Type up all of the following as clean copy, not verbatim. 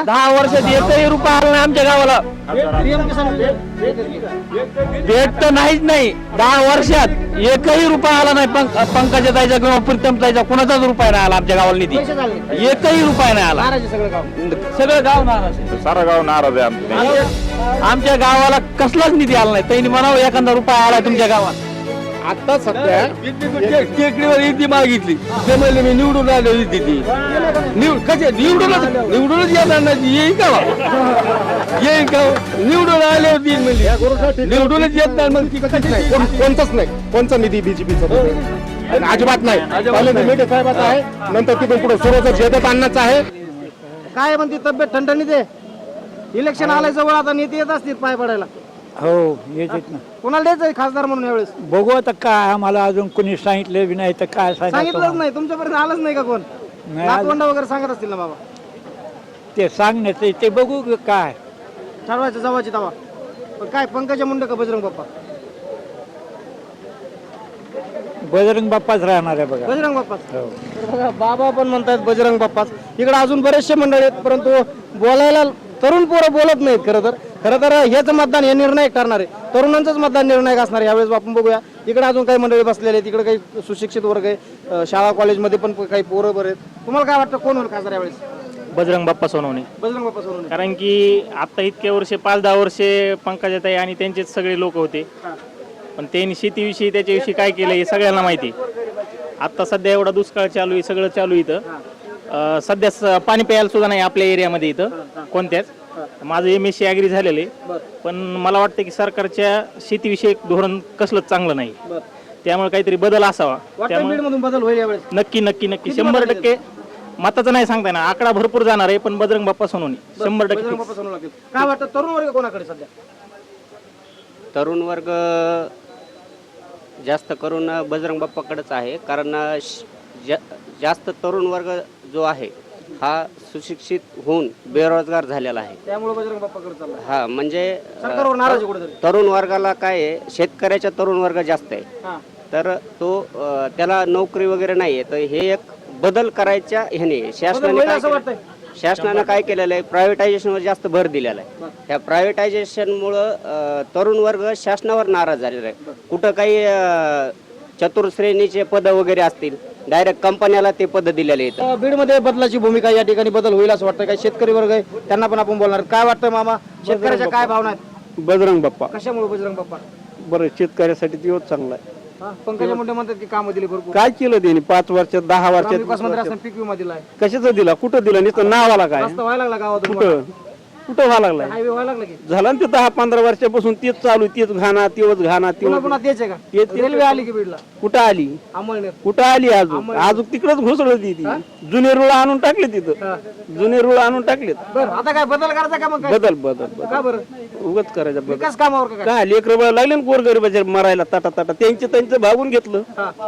10 वर्षात एकही रुपया आला नाही आमच्या गावाला. पीएम किसान भेट तर नाहीच नाही. 10 वर्षात एकही रुपया आला नाही. पंकजाताईचा किंवा प्रीतमताईचा कोणाचाच रुपया नाही आला आमच्या गावाला निधी. पैसे झाले नाही. एकही रुपया नाही आला. नाराज आहे सगळं गाव. सगळं गाव नाराज आहे. सारा गाव नाराज आहे आमचं. आमच्या गावाला कसलाच निधी आला नाही. त्यांनी म्हणावं एखादा रुपया आला तुमच्या गावात. आता सध्या टेकडीवर निधी मागितली ते म्हणले मी निवडून आलो निधी ती निवडूनच येणार नाही. येईल का येईल का निवडून आले होती म्हणली निवडूनच येत नाही. मग ती कशाच नाही. कोणताच नाही. कोणचा निधी बीजेपीचा अजिबात नाही. पहिल्यांदा मेटे साहेबाचा आहे, नंतर तिथून पुढे सुरुवात जयदत्त अण्णाचा आहे. काय म्हणते तब्येत ठणठणीत आहे. इलेक्शन आलंय जवळ, आता नेते येत असतील पाय पडायला. हो येतात ना. कोणाला द्यायचं खासदार म्हणून यावेळेस? बघू आता काय आम्हाला अजून कोणी सांगितलं बी नाही तर काय सांगितलंच नाही. तुमच्यापर्यंत आलंच नाही का कोण? नाही. नातवंड वगैरे सांगत असतील ना बाबा. ते सांगण्याचं ते बघू काय ठरवायचं जवाची तवा. पण काय पंकजा मुंडे का बजरंग बाप्पा? बजरंग बाप्पाच राहणार आहे बघा. बजरंग बाप्पाच. तर बघा बाबा पण म्हणतात बजरंग बाप्पाच. इकडे अजून बरेचसे मंडळी आहेत, परंतु बोलायला तरुण पोरं बोलत नाहीत. खरं तर हेच मतदान हे निर्णायक ठरणार आहे. तरुणांचंच मतदान निर्णायक असणार आहे यावेळेस. आपण बघूया इकडे अजून काही मंडळी बसलेले आहेत. तिकडे काही सुशिक्षित वर्ग आहे. शाळा कॉलेजमध्ये पण काही पोरं बरे आहेत. तुम्हाला काय वाटतं कोण होईल खासदार यावेळेस? बजरंग बाप्पा सोनवणे. बजरंग बाप्पा सोनवणे. कारण की आता इतक्या वर्षे 5-10 वर्षे पंकजाताई आणि त्यांचेच सगळे लोक होते. पण त्यांनी शेतीविषयी त्याच्याविषयी काय केलं हे सगळ्यांना माहिती. आता सध्या एवढा दुष्काळ चालू आहे, सगळं चालू इथं. सध्या पाणी प्यायला सुद्धा नाही आपल्या एरियामध्ये इथं कोणत्याच. माझं MSc ॲग्री झालेलं आहे, पण मला वाटतं की सरकारच्या शेतीविषयक धोरण कसलंच चांगलं नाही. त्यामुळे काहीतरी बदल असावा. त्यामुळे बीडमधून बदल होईल यावेळेस. नक्की 100% मताचं नाही सांगता येणार. आकडा भरपूर जाणार आहे, पण बजरंग बाप्पा सोनवणे 100% बजरंग बाप्पा सोनवणे लागतील. काय वाटतं तरुण वर्ग कोणाकडे सध्या? तरुण वर्ग जास्त करून बजरंग बाप्पाकडेच आहे. कारण जास्त तरुण वर्ग जो आहे हा सुशिक्षित होऊन बेरोजगार झालेला आहे. त्यामुळे बजरंग बाप्पाकडे चालला. हा म्हणजे सरकारवर नाराज आहे कुठेतरी. तरुण वर्गाला काय आहे, शेतकऱ्याच्या तरुण वर्ग जास्त आहे. हा. तर तो त्याला नोकरी वगैरे नाही आहे. तर हे एक बदल करायच्या ह्याने शासनानं काय केलेलं आहे, प्रायव्हेटायझेशनवर जास्त भर दिलेला आहे. ह्या प्रायव्हेटायझेशनमुळं तरुण वर्ग शासनावर नाराज झालेला आहे. कुठं काही चतुर्श्रेणीचे पद वगैरे असतील, डायरेक्ट कंपन्याला ते पद दिलेले आहेत. बीडमध्ये बदलाची भूमिका या ठिकाणी बदल होईल असं वाटतं. काही शेतकरी वर्ग आहे त्यांना पण आपण बोलणार. काय वाटतं मामा, शेतकऱ्याच्या काय भावना आहेत? बजरंग बाप्पा कशामुळे बजरंग बाप्पा? बरं, शेतकऱ्यासाठी दिवस चांगला आहे. पंकजा मुंडे म्हणतात की कामं दिली भरपूर. काय केलं त्यांनी 5 वर्षात 10 विकास मंत्री वर्षात? असताना पीक विमा दिलाय. कशाचं दिला? कुठं दिला? नुसतं नावाला काय? रस्ता व्हायला लागला गावातून. कुठं कुठं व्हायला लागलाय? हायवे व्हायला लागला की झाला ना ते 10-15 वर्षापासून तेच चालू. तेच घाणा, तेच घाणा, पुन्हा तेच. पुन्हा तेच आहे का? तेच. रेल्वे आली की बीडला? कुठं आली? अंमळनेर. कुठं आली? अजून तिकडच घुसळली ती. जुने रुळ आणून टाकले तिथं. जुने रुळ आणून टाकलेत. बरं आता काय बदल करायचा का मग? काय बदल बदल बदल का बरं? उगच करायचा बदल. विकास कामावर का काय? काय लेकर लागले ना गोरगरीबाचे मरायला ताटा ताटा. त्यांचं भागून घेतलं.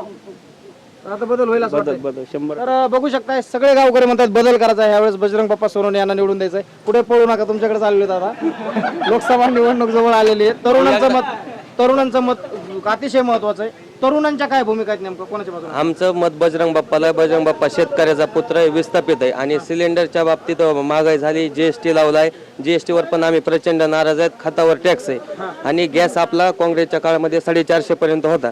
आता बदल होईल असं बदल वाटतंय. बदल 100. तर बघू शकताय सगळे गावकरी म्हणतात बदल करायचा आहे. यावेळेस बजरंग बाप्पा सोनवणे यांना निवडून द्यायचंय. पुढे पळू नका, तुमच्याकडे चालले दादा. लोकसभा निवडणूक जवळ आलेली आहे. तरुणांचं मत अतिशय महत्वाचं आहे. तरुणांच्या काय भूमिका आहेत नेमकं, कोणाच्या बाजूने? आमचं मत बजरंग बाप्पाला. बजरंग बाप्पा शेतकऱ्याचा पुत्र आहे, विस्थापित आहे. आणि सिलेंडरच्या बाबतीत महागाई झाली, GST लावलाय. GST वर पण आम्ही प्रचंड नाराज आहेत. खतावर टॅक्स आहे. आणि गॅस आपला काँग्रेसच्या काळामध्ये 450 पर्यंत होता.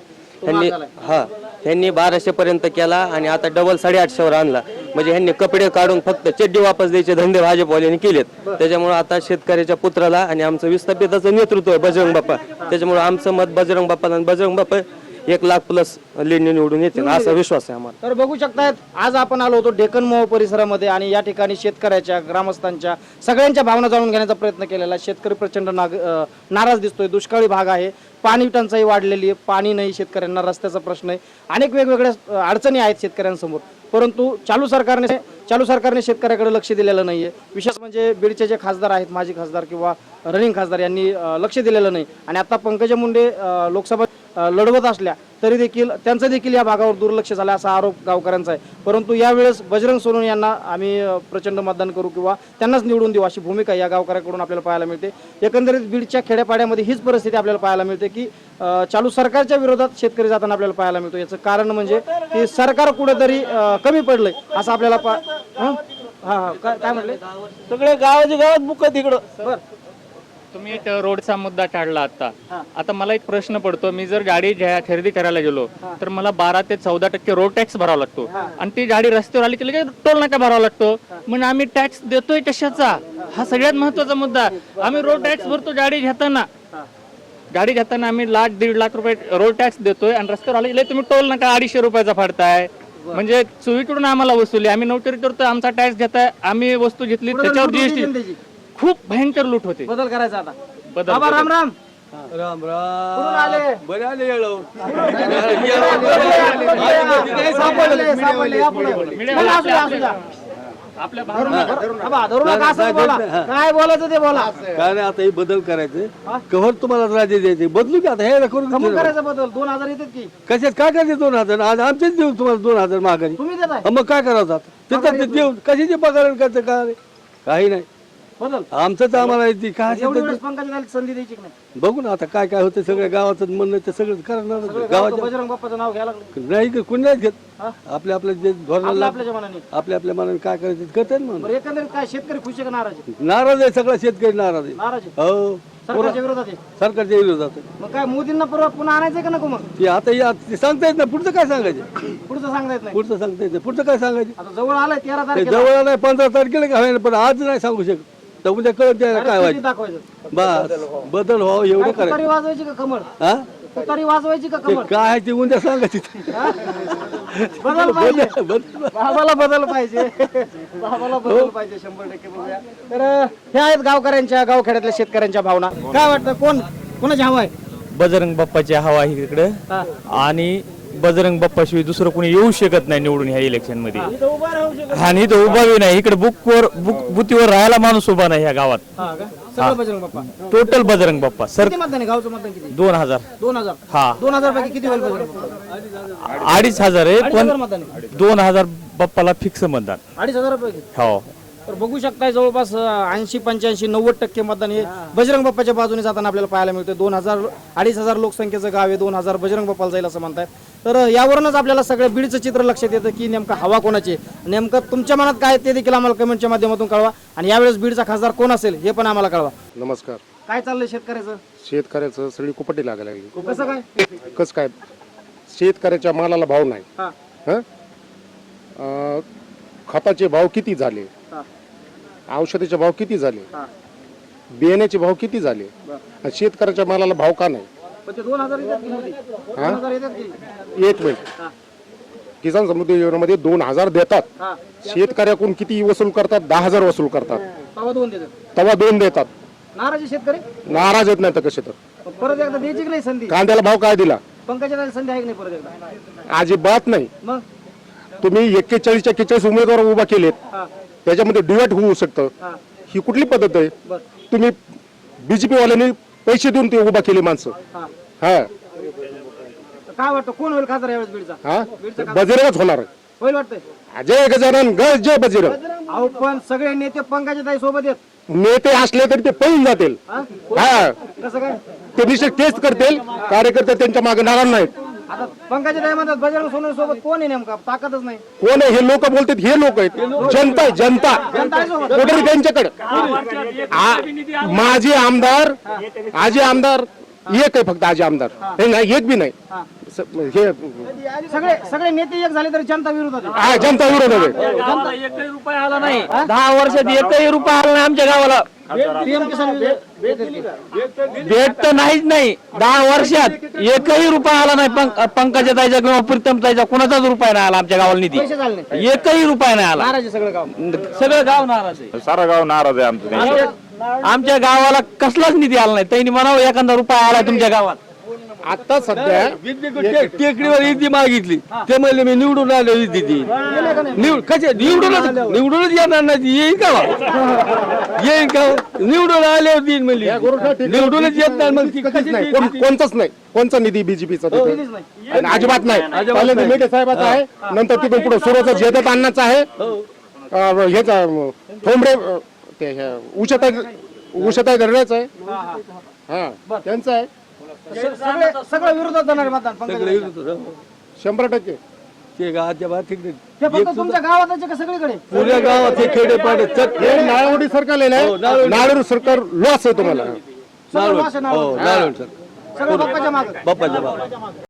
ह्यांनी 1200 पर्यंत केला आणि आता डबल 850 वर आणला. म्हणजे ह्यांनी कपडे काढून फक्त चड्डी वापस द्यायचे धंदे भाजपवाल्यांनी केलेत. त्याच्यामुळे आता शेतकऱ्याच्या पुत्राला आणि आमचं विस्थापिताचं नेतृत्व आहे बजरंग बाप्पा. त्याच्यामुळे आमचं मत बजरंग बाप्पा. आणि बजरंग बाप्पा 1,00,000+ लीडने निवडून येतील असा विश्वास आहे आम्हाला. तर बघू शकतायत आज आपण आलो होतो डेक्कन मोह परिसरामध्ये आणि या ठिकाणी शेतकऱ्याच्या, ग्रामस्थांच्या सगळ्यांच्या भावना जाणून घेण्याचा प्रयत्न केलेला. शेतकरी प्रचंड नाराज दिसतोय. दुष्काळी भाग आहे, पाणी टंचाई वाढलेली आहे, पाणी नाही, शेतकऱ्यांना रस्त्याचा प्रश्न आहे, अनेक वेगवेगळ्या अडचणी आहेत शेतकऱ्यांसमोर. परंतु चालू सरकारने शेतकऱ्याकडे लक्ष दिलेलं नाहीये. विशेष म्हणजे बीडचे जे खासदार आहेत, माजी खासदार किंवा रनिंग खासदार, यांनी लक्ष दिलेलं नाही. आणि आता पंकजा मुंडे लोकसभा लढवत असल्या तरी देखील त्यांचं देखील या भागावर दुर्लक्ष झालं असा आरोप गावकऱ्यांचा आहे. परंतु यावेळेस बजरंग सोनवणे यांना आम्ही प्रचंड मतदान करू किंवा त्यांनाच निवडून देऊ अशी भूमिका या गावकऱ्याकडून आपल्याला पाहायला मिळते. एकंदरीत बीडच्या खेड्यापाड्यामध्ये हीच परिस्थिती आपल्याला पाहायला मिळते की चालू सरकारच्या विरोधात शेतकरी जाताना आपल्याला पाहायला मिळतो. याचं कारण म्हणजे की सरकार कुठेतरी कमी पडलंय असं आपल्याला हा हा काय म्हणले सगळे गावाच्या गावात बुक आहे तिकडं. बर तुम्ही रोडचा मुद्दा काढला आता मला एक प्रश्न पडतो, मी जर गाडी खरेदी करायला गेलो तर मला 12 ते 14% रोड टॅक्स भरावा लागतो आणि ती गाडी रस्त्यावर आली की लगेच टोल नाका भरावा लागतो. मग आम्ही टॅक्स देतोय कशाचा? हा सगळ्यात महत्वाचा मुद्दा. आम्ही रोड टॅक्स भरतो गाडी घेताना आम्ही 1,00,000-1.5 लाख रुपये रोड टॅक्स देतोय आणि रस्त्यावर आले तुम्ही टोल नाका 250 रुपयाचा फाडताय. म्हणजे चोवीकडून आम्हाला वसुली, आम्ही नोटरी करतोय, आमचा टॅक्स घेताय, आम्ही वस्तू घेतली त्याच्यावर जीएसटी. खूप भयंकर लूट होते. बदल करायचा आता. बदल बाबा राम राम. राम कुठून आले? राम. बरे आले येळव. सापडले या पुढे. चला, असू द्या. आपल्या बाबा, धरू नका, असंच बोला. काय बोलायचं ते बोला. काय नाही आता हे बदल करायचं. कव्हर तुम्हाला राजे द्यायचे बदलू की आता हे करून कमी करायचा बदल. 2,000 येतात की कशात काय करायचे 2,000? आज आमचेच देऊ तुम्हाला 2,000 माघारी. तुम्ही देताय मग काय करायचं आता? तिथं देऊन कशाचे पगार करतं काय? काही नाही. बदल. आमचंच आम्हाला येते काय एवढी असेल वेळेस पंकजाला संधी द्यायची की नाही? ते बघू ना आता काय काय होतं. सगळ्या गावाचं म्हणणं ते सगळं करणार गावात गावाच्या बजरंग बाप्पाचं नाव घ्यायला लागलं. नाही की कुणी नाही घेत. आपल्या आपल्या जे धोरणाला आपल्या मनाने. आपल्या मनाने काय करायचं ते करतात म्हणून. बरं, एकंदरीत काय शेतकरी खुश आहे का नाराज आहे? नाराज आहे सगळा शेतकरी नाराज आहे. नाराज आहे. हो सरकारच्या विरोधात आहे. सरकारच्या विरोधात आहे. मग काय मोदींना पुन्हा आणायचंय का नको? मग ते आता ते सांगता येत नाही. पुढचं काय सांगायचं? पुढचं सांगता येत नाही. पुढचं सांगता येत नाही. पुढचं काय सांगायचं? आता जवळ आलाय 13 ते तारखेला. जवळ नाही 15 तारखेला काय होईल पण आज नाही सांगू शकत. तर उद्या कळत द्यायला काय किती व्हायचं. दाखवायचं? बस बदल व्हावं एवढं काय करायचं. तुतारी वाजवायची का कमळ? हा तुतारी वाजवायची का ते कमळ? काय आहे ते उद्या सांगायचं. बदल पाहिजे. बदल बाबाला बदल पाहिजे. बाबाला बदल पाहिजे 100% बघूया. तर हे आहेत गावकऱ्यांच्या गावखेड्यातल्या शेतकऱ्यांच्या भावना. काय वाटतं कोणाची हवा आहे? बजरंग बाप्पाची हवा आहे इकडे हा. आणि बजरंग बाप्पाशिवाय दुसरं कोणी येऊ शकत नाही निवडून ह्या इलेक्शन मध्ये. इथं उभा राहू शकत. आणि इथं उभा बी नाही. इकडे बुथीवर राहायला माणूस उभा नाही ह्या गावात. हा का? सगळं बजरंग बाप्पा. Total Bajrang Bappa sir. किती मतदान आहे? गावचं मतदान किती? 2,000. 2,000. हा 2,000 पैकी किती होईल बजरंग बाप्पा? 2,500 आहे 2,500 पण मतदान आहे. 2,000 बाप्पाला फिक्स मतदान. 2,500 पैकी. हो तर बघू शकताय जवळपास 80-85-90% मतदान हे बजरंग बाप्पाच्या बाजूने जाताना आपल्याला पाहायला मिळतं. 2,000-2,500 लोकसंख्येचं गाव आहे. 2,000 बजरंग बाप्पाला जाईल असं म्हणतायत. तर यावरूनच आपल्याला सगळं बीडचं चित्र लक्षात येतं की नेमकं हवा कोणाची, नेमकं तुमच्या मनात काय ते देखील आम्हाला कमेंटच्या माध्यमातून कळवा. आणि यावेळेस बीडचा खासदार कोण असेल हे पण आम्हाला कळवा. नमस्कार. काय चाललंय शेतकऱ्याचं? शेतकऱ्याचं सगळी कुपटी लागायला लागली. कसं काय? कसं काय? शेतकऱ्याच्या मालाला भाव नाही. हा हं? खताचे भाव किती झाले, हा औषधाचे भाव किती झाले, हा. बियाण्याचे भाव किती झाले, आणि शेतकऱ्याच्या मालाला भाव का नाही? पण ते 2,000 येतात की मोदी? 2,000 येतात की? एक मिनिट. किसान समृद्धी योजनेमध्ये 2,000 देतात. हा. शेतकऱ्याकडून किती वसूल करतात? 10,000 वसूल करतात. तेव्हा 2 देतात. तेव्हा 2 देतात. नाराज आहे शेतकरी. नाराज येत नाही तर कसे तर. पण परत एकदा द्यायची की नाही संधी? कांद्याला भाव काय दिला? पंकजाला संधी आहे की नाही परत एकदा? अजिबात नाही. मग तुम्ही 41-41 उमेदवार उभा केलेत, हा त्याच्यामध्ये डिवाइड होऊ शकतं. हा ही कुठली पद्धत आहे? बर. तुम्ही बीजेपी वाल्यांनी पैसे देऊन ते उभा केले माणसं. हा. हा तर काय वाटतं कोण होईल खासदार यावेळेस बीडचा? हा बजरंगच होणार आहे. होईल वाटतंय. जय गजानन जय बजरंग. अहो पण सगळे नेते पंकजाताई सोबत आहेत. नेते असले तरी ते पळून जातील. हा? हा कसं काय? ते निश्चित तेच करतील. कार्यकर्ते त्यांच्या मागे नाराज नाहीत. आता पंकजाताई म्हणतात बजरंग सोनवणे सोबत कोण आहे नेमका? ताकदच नाही. कोण आहे? हे लोक बोलतात. हे लोक आहेत. जनता आहे, जनता. कुठे त्यांच्याकडे माझे आमदार आजी आमदार एक आहे फक्त. आजी आमदार हे नाही, एक बी नाही. हे सगळे नेते एक झाले तरी जनता विरोधात आहे. हा, जनता विरोध आहे. एकही रुपया आला नाही. 10 वर्षात एकही रुपया आला नाही आमच्या गावाला. PM किसान भेट तर नाहीच नाही. 10 वर्षात एकही रुपया आला नाही. पंकजाताईचा किंवा प्रीतमताईचा कोणाचाच रुपया नाही आला आमच्या गावाला निधी. पैसे झाले नाही. एकही रुपया नाही आला. नाराज आहे सगळं गाव. सगळं गाव नाराज आहे. सारा गाव नाराज आहे आमचं. आमच्या गावाला कसलाच निधी आला नाही. त्यांनी म्हणावं एखादा रुपया आला तुमच्या गावात. आता सध्या टेकडीवर ईदी मागितली. ते म्हणले मी निवडून आलो ईदी ती निवडूनच येणार नाही. येईल का येईल का? निवडून आले दिन म्हणली निवडूनच येत नाही. मग ती कशी नाही. कोणताच नाही. कोणचा निधी बीजेपीचा अजिबात नाही. पहिल्यांदा मेटे साहेबाचा आहे, नंतर तिथून पुढे सुरोचा जेदत अण्णाचा आहे, ह्याचा ठोंबरे ते उषाताई गरड्याचा आहे. हा त्यांचा आहे. सगळं विरोधात जाणार मतदान पंकजाताई. 100%. ते गावाच्या बाहेर तिकडे हे फक्त तुमच्या गावातच आहे का सगळीकडे? पुऱ्या गावात हे खेडेपाडे चट हे नाळवडी सरकार आहे हो, ना, नाळवडी सरकार लॉस आहे तुम्हाला. सगळं वास आहे नारळ. नारायण सर सगळं बाप्पाच्या मागं. बाप्पाच्या